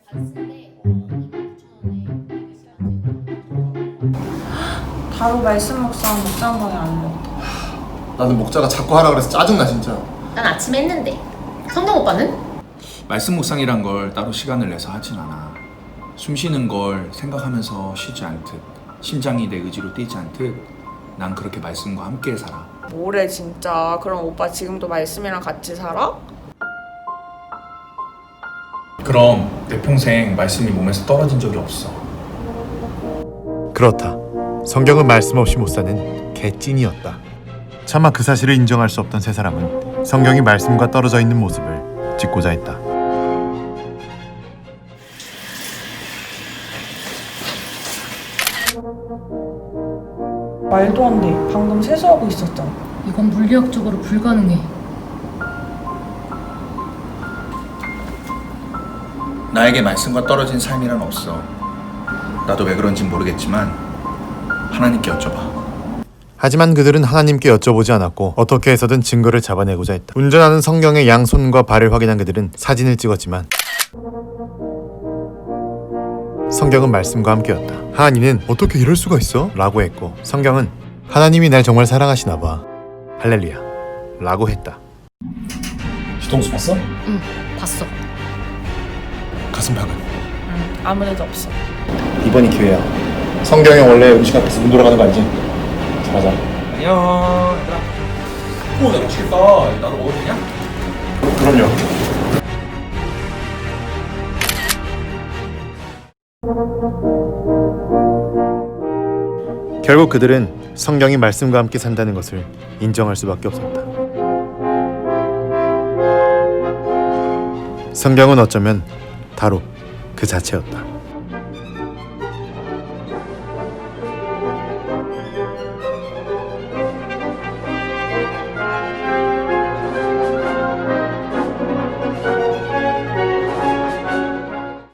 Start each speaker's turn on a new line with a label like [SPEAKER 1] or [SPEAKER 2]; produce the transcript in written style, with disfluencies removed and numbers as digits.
[SPEAKER 1] 바로 말씀 묵상 목장방에 알렸다.
[SPEAKER 2] 나는 목자가 자꾸 하라 그래서 짜증나 진짜.
[SPEAKER 3] 난 아침에 했는데. 성경 오빠는?
[SPEAKER 4] 말씀 묵상이란 걸 따로 시간을 내서 하진 않아. 숨 쉬는 걸 생각하면서 쉬지 않듯, 심장이 내 의지로 뛰지 않듯 난 그렇게 말씀과 함께 살아.
[SPEAKER 1] 뭐래 진짜. 그럼 오빠 지금도 말씀이랑 같이 살아?
[SPEAKER 4] 그럼 내 평생 말씀이 몸에서 떨어진 적이 없어.
[SPEAKER 5] 그렇다. 성경은 말씀 없이 못 사는 개찐이었다. 차마 그 사실을 인정할 수 없던 세 사람은 성경이 말씀과 떨어져 있는 모습을 짓고자 했다.
[SPEAKER 1] 말도 안 돼. 방금 세수하고 있었잖아.
[SPEAKER 3] 이건 물리학적으로 불가능해.
[SPEAKER 4] 나에게 말씀과 떨어진 삶이란 없어. 나도 왜 그런진 모르겠지만 하나님께 여쭤봐.
[SPEAKER 5] 하지만 그들은 하나님께 여쭤보지 않았고 어떻게 해서든 증거를 잡아내고자 했다. 운전하는 성경의 양손과 발을 확인한 그들은 사진을 찍었지만 성경은 말씀과 함께였다. 하나님은 어떻게 이럴 수가 있어? 라고 했고 성경은 하나님이 날 정말 사랑하시나 봐. 할렐루야 라고 했다.
[SPEAKER 2] 뒤통수 봤어?
[SPEAKER 3] 응, 봤어.
[SPEAKER 2] 가슴팍은?
[SPEAKER 1] 응, 아무 데도 없어.
[SPEAKER 2] 이번이 기회야. 성경에 원래 음식 앞에서 눈 돌아가는 거 알지? 잘하자.
[SPEAKER 4] 안녕 얘들아. 오, 나 맛있겠다. 나도 먹어도 되냐?
[SPEAKER 2] 그럼요.
[SPEAKER 5] 결국 그들은 성경이 말씀과 함께 산다는 것을 인정할 수밖에 없었다. 성경은 어쩌면 바로 그 자체였다.